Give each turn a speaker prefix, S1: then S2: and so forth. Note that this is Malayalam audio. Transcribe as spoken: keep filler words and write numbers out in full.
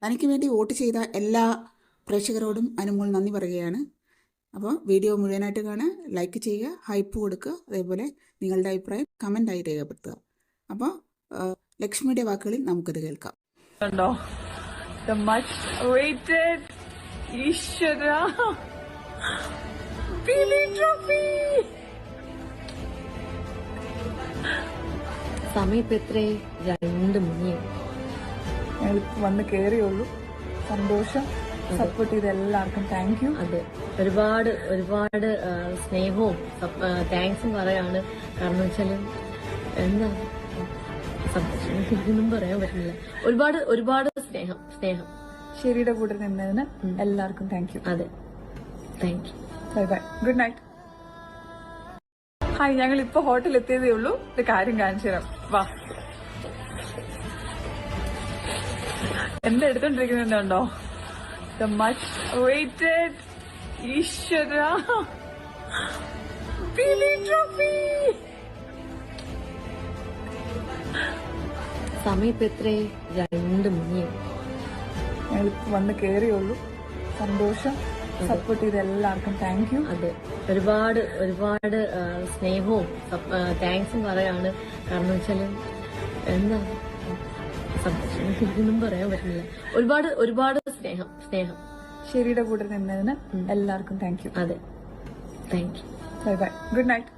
S1: തനിക്ക് വേണ്ടി വോട്ട് ചെയ്ത എല്ലാ പ്രേക്ഷകരോടും അനുമോൾ നന്ദി പറയുകയാണ്. അപ്പോൾ വീഡിയോ മുഴുവനായിട്ട് കാണുക, ലൈക്ക് ചെയ്യുക, ഹൈപ്പ് കൊടുക്കുക, അതേപോലെ നിങ്ങളുടെ അഭിപ്രായം കമൻ്റായി രേഖപ്പെടുത്തുക. അപ്പോൾ ലക്ഷ്മിയുടെ വാക്കുകളിൽ നമുക്കത് കേൾക്കാം.
S2: The much awaited Ishwara Billy Trophy.
S3: സമയത്ത് എത്രേ? രണ്ട് മണിയായി.
S2: ഞങ്ങളിപ്പോൾ വന്ന് കയറിയുള്ളൂ. സന്തോഷം. സപ്പോർട്ട് ചെയ്ത എല്ലാവർക്കും താങ്ക് യു.
S3: അതെ, ഒരുപാട് ഒരുപാട് സ്നേഹവും താങ്ക്സും പറയാണ്. കാരണം വെച്ചാല് എന്താ സന്തോഷം ഇതൊന്നും പറയാൻ പറ്റില്ല. ഒരുപാട് ഒരുപാട് സ്നേഹം സ്നേഹം
S2: ശരിയുടെ കൂടെ നിന്നതിന് എല്ലാവർക്കും താങ്ക് യു.
S3: അതെ, thank you.
S2: Bye bye, good night. Hi, ഞങ്ങൾ ഇപ്പൊ ഹോട്ടലിൽ എത്തിയതേ ഉള്ളൂ. ഒരു കാര്യം കാണിച്ചു തരാം, വാ. എന്താ എടുത്തോണ്ടിരിക്കുന്നുണ്ടോ? The much awaited Ishwara Billy Trophy.
S3: സമയത്ത് എത്രേ? രണ്ട് മണിയായി.
S2: ഞങ്ങളിപ്പോൾ വന്ന് കയറിയുള്ളൂ. സന്തോഷം. സപ്പോർട്ട് ചെയ്ത എല്ലാവർക്കും താങ്ക് യു.
S3: അതെ, ഒരുപാട് ഒരുപാട് സ്നേഹവും താങ്ക്സും പറയാണ്. കാരണം വെച്ചാല് എന്താ സന്തോഷം ഇതൊന്നും പറയാൻ പറ്റില്ല. ഒരുപാട് ഒരുപാട് സ്നേഹം സ്നേഹം
S2: ശരിയുടെ കൂടെ നിന്നതിന് എല്ലാവർക്കും താങ്ക് യു.
S3: അതെ, thank you.
S2: Bye bye, good night.